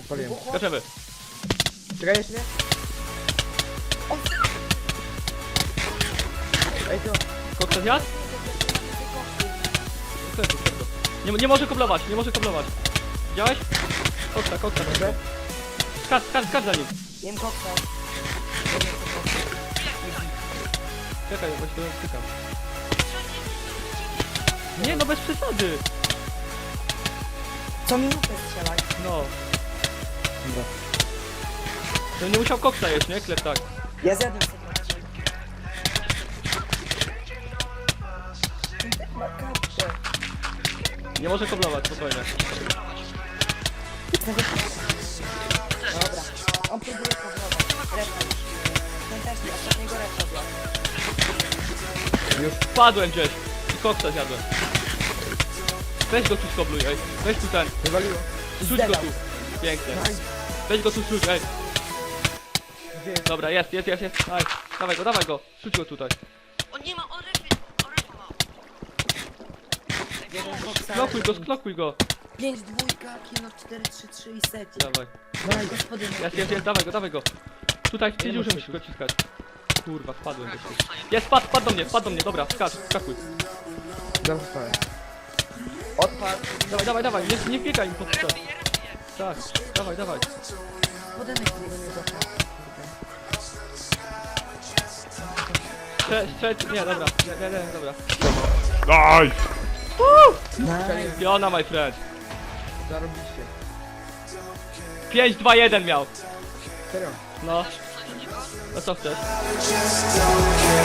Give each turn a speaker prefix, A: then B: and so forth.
A: Odpaliłem.
B: Skaczemy.
A: Czekaj jeszcze nie? Ej, to...
B: Koksa zjadł? Nie może koblować, nie może koblować. Widziałeś? Koksa,
A: Dobrze?
B: skacz za nim.
C: Jem koksa.
B: Czekaj, bo się to stykam. Nie no, bez przesady.
C: Co minutę strzelaj.
B: No.
A: Dobra.
B: To nie musiał koksa jeść, nie? Klep tak.
C: Ja zjadłem sobie. Ma kartę.
B: Nie może koblować, spokojnie.
C: Dobra. On próbuje powrować. Refa już. Ten też nie. Ostatniego refa zjadł.
A: Już.
B: Wpadłem gdzieś i koksa zjadłem. Weź go tu skobluj, ej. Weź tu ten.
A: Wywaliło.
B: Rzuć go tu. Pięknie. Weź go tu, rzuć, ej.
A: Gdzie jest?
B: Dobra, jest. Aj, dawaj go. Rzuć go tutaj.
D: On nie ma, on refy ma.
C: Jeden koksa.
B: Sklokuj go.
C: 5, 2, kilo 4, 3, 3 i seci.
B: Dawaj.
C: Gospodynie.
B: Jest, dawaj go. Tutaj w dziurze musisz go ciskać. Kurwa, wpadłem do ciebie. Jest, wpadł do mnie, dobra, skakuj.
A: Dobra, wstałem. Odpadł.
B: Dawaj, nie biegaj im pod to. Tak, dawaj.
C: Podemek tego nie zaczął.
B: Nie, dobra.
E: Daj!
C: Nice.
B: Fiona, my friend.
A: Zarobiliście.
B: 5, 2, 1 miał.
A: Serio.
B: No. No co chcesz?
F: Just don't care.